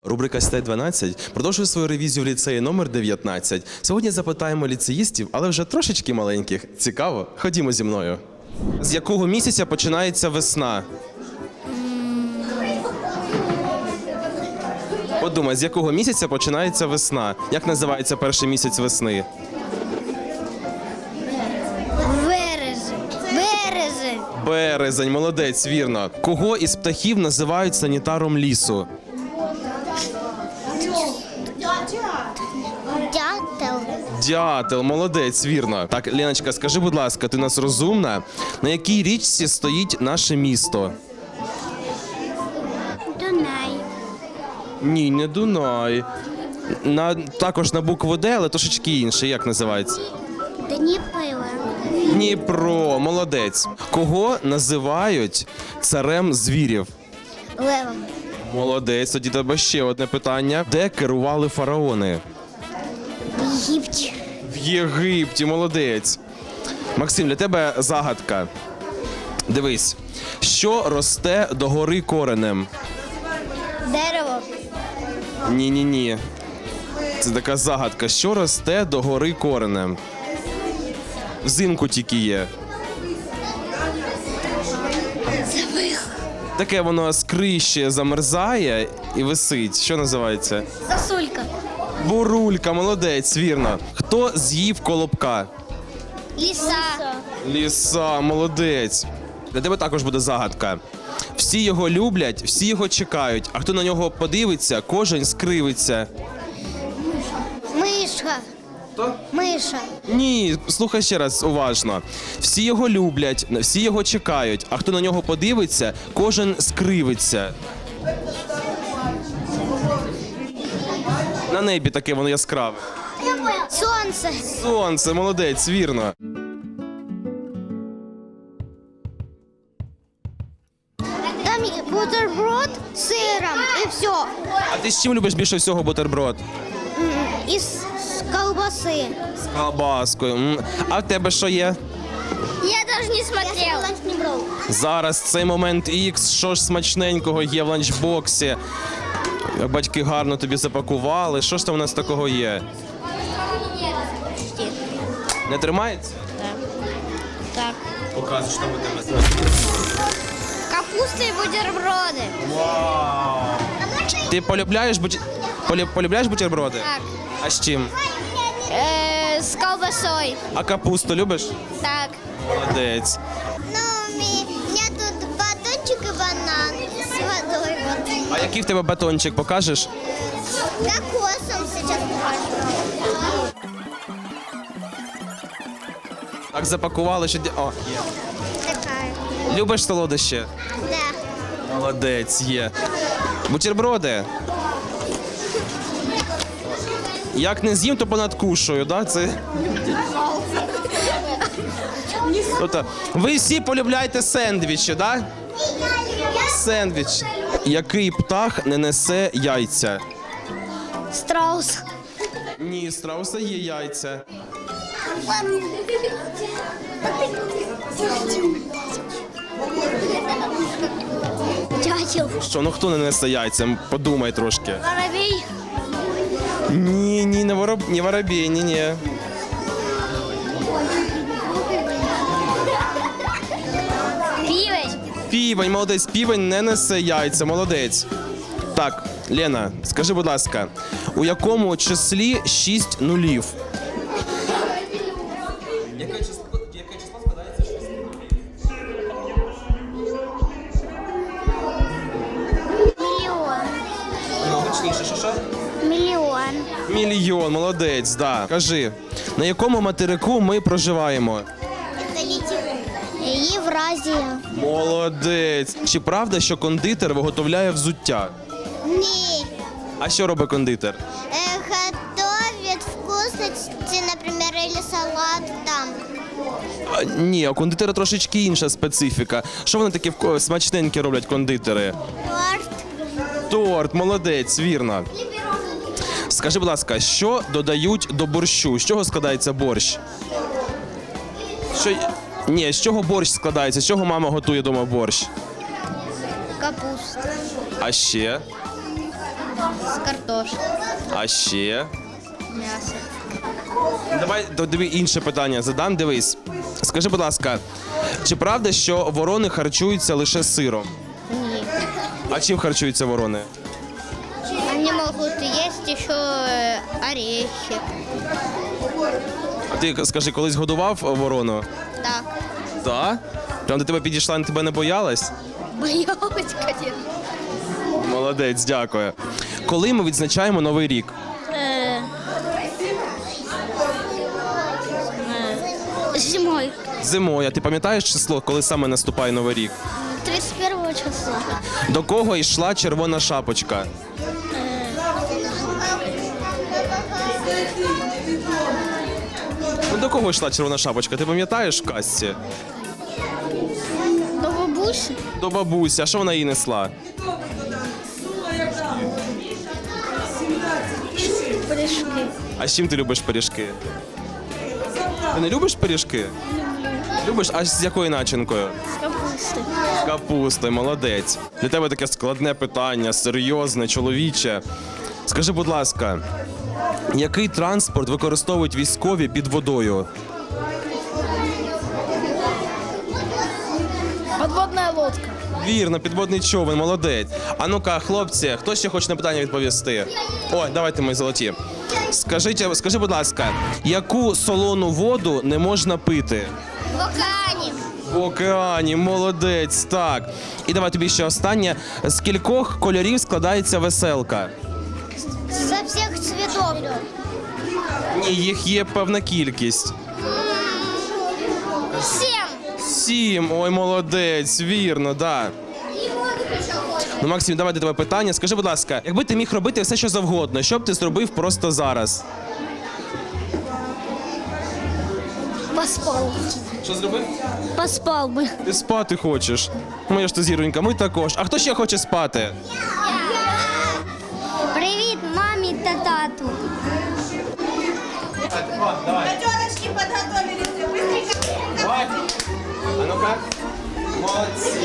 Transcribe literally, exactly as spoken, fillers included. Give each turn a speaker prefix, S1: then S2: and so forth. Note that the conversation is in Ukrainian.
S1: Рубрика «Сідай дванадцять» продовжує свою ревізію в ліцеї номер дев'ятнадцять. Сьогодні запитаємо ліцеїстів, але вже трошечки маленьких. Цікаво? Ходімо зі мною. З якого місяця починається весна? Подумай, з якого місяця починається весна? Як називається перший місяць весни?
S2: Березень. Березень.
S1: Березень, молодець, вірно. Кого із птахів називають санітаром лісу?
S2: Дятел.
S1: Дятел, молодець, вірно. Так, Леночка, скажи, будь ласка, ти у нас розумна? На якій річці стоїть наше місто?
S2: Дунай.
S1: Ні, не Дунай. На, також на букву Д, але трошечки інше. Як називається?
S2: Дніпро.
S1: Дніпро, молодець. Кого називають царем звірів?
S2: Левом.
S1: Молодець, тоді тебе ще одне питання. Де керували фараони?
S2: В Єгипті.
S1: В Єгипті, молодець. Максим, для тебе загадка. Дивись, що росте догори коренем?
S2: Дерево.
S1: Ні-ні-ні. Це така загадка. Що росте догори коренем? Взимку тільки є. Таке воно скрище замерзає і висить. Що називається?
S2: Сосулька.
S1: Бурулька, молодець, вірно. Хто з'їв колобка?
S2: Ліса.
S1: Ліса, молодець. Для тебе також буде загадка. Всі його люблять, всі його чекають, а хто на нього подивиться, кожен скривиться.
S2: Миша.
S1: Хто?
S2: Миша.
S1: Ні, слухай ще раз уважно. Всі його люблять, всі його чекають, а хто на нього подивиться, кожен скривиться. На небі таке воно яскраве.
S2: Сонце.
S1: Сонце, молодець, вірно.
S2: Там є бутерброд з сиром і все.
S1: А ти з чим любиш більше всього бутерброд?
S2: І з з колбаси.
S1: З колбаскою. М. А в тебе що є?
S2: Я даже не смотрела.
S1: Зараз цей момент ікс, що ж смачненького є в ланчбоксі. Батьки гарно тобі запакували. Що ж там у нас такого є? Не тримається?
S2: Так.
S1: Показуй, що там у тебе.
S2: Капуста і бутерброди.
S1: Вау! Ти полюбляєш, буті... полю- полюбляєш бутерброди?
S2: Так.
S1: А з чим?
S2: Е, з колбасою.
S1: А капусту любиш?
S2: Так.
S1: Молодець.
S2: Ну, у меня тут батончик и банан с водой. Вот.
S1: А який в тебе батончик, покажеш?
S2: Кокосом сейчас покажу.
S1: Так запакували, що... ді- О, є.
S2: Такая.
S1: Любиш солодощі?
S2: Да.
S1: Молодець, є. Бутерброди. Як не з'їм, то понадкушую, да? Це... Тобто, ви всі полюбляєте сендвічі, да? Сендвіч. Який птах не несе яйця?
S2: Страус.
S1: Ні, страуса є яйця.
S2: Дятел.
S1: Що, ну хто не несе яйця? Подумай трошки.
S2: Воробей.
S1: Ні, ні, не вороб... не воробей, ні, ні.
S2: Пивень.
S1: Півень, молодець, півень не несе яйця, молодець. Так, Лена, скажи, будь ласка, у якому числі шість нулів? Яке число, яке число складається шість
S2: Миллион.
S1: Ну, гучніше, що що?
S2: Миллион.
S1: Мільйон, молодець, да. Кажи, на якому материку ми проживаємо?
S2: Євразія.
S1: Молодець. Чи правда, що кондитер виготовляє взуття?
S2: Ні.
S1: А що робить кондитер?
S2: Э, готовят вкусности, например, или салат там.
S1: А, ні, у кондитера трошечки інша специфіка. Що вони такі вко- смачненькі роблять кондитери?
S2: Торт.
S1: Торт, молодець, вірно. Скажи, будь ласка, що додають до борщу? З чого складається борщ? Що... Ні, з чого борщ складається? З чого мама готує дома борщ?
S2: Капуста.
S1: А ще?
S2: З картошки.
S1: А ще?
S2: М'ясо.
S1: Давай до- тобі інше питання задам. Дивись. Скажи, будь ласка, чи правда, що ворони харчуються лише сиром?
S2: Ні.
S1: А чим харчуються ворони?
S2: Вони можуть їсти ще е, орехи.
S1: А ти скажи, колись годував ворону?
S2: Так.
S1: Так? Прям до тебе підійшла і тебе не боялась?
S2: Боялась, звісно.
S1: Молодець, дякую. Коли ми відзначаємо Новий рік?
S2: Зимою.
S1: Зимою. А ти пам'ятаєш число, коли саме наступає Новий рік?
S2: тридцять першого числа.
S1: До кого йшла червона шапочка? Ну, до кого йшла червона шапочка? Ти пам'ятаєш в казці?
S2: До бабусі.
S1: До бабусі. А що вона їй несла?
S2: Пиріжки.
S1: А з чим ти любиш пиріжки? Ти не любиш пиріжки? Любиш? А з якою начинкою?
S2: З капусти.
S1: З капустою, молодець. Для тебе таке складне питання, серйозне, чоловіче. Скажи, будь ласка, який транспорт використовують військові під водою?
S2: Подводна лодка.
S1: Вірно, підводний човен, молодець. А ну-ка, хлопці, хто ще хоче на питання відповісти? Ой, давайте ми золоті. Скажіть, скажи, будь ласка, яку солону воду не можна пити?
S2: В океані.
S1: В океані, молодець, так. І давай тобі ще останнє. З кількох кольорів складається веселка?
S2: Со всіх цвітів.
S1: Ні, їх є певна кількість.
S2: Сім.
S1: Сім, ой, молодець, вірно, да. Ну, Максим, давай до тебе питання. Скажи, будь ласка, якби ти міг робити все, що завгодно, що б ти зробив просто зараз?
S2: Поспав.
S1: Що зробив?
S2: Поспав би.
S1: Ти спати хочеш. Моя ж ти зіронька, ми також. А хто ще хоче спати?
S2: Привіт мамі та тату.
S3: Пятерочки подготовились. Быстренько.
S1: Давай. А ну-ка. Молодці.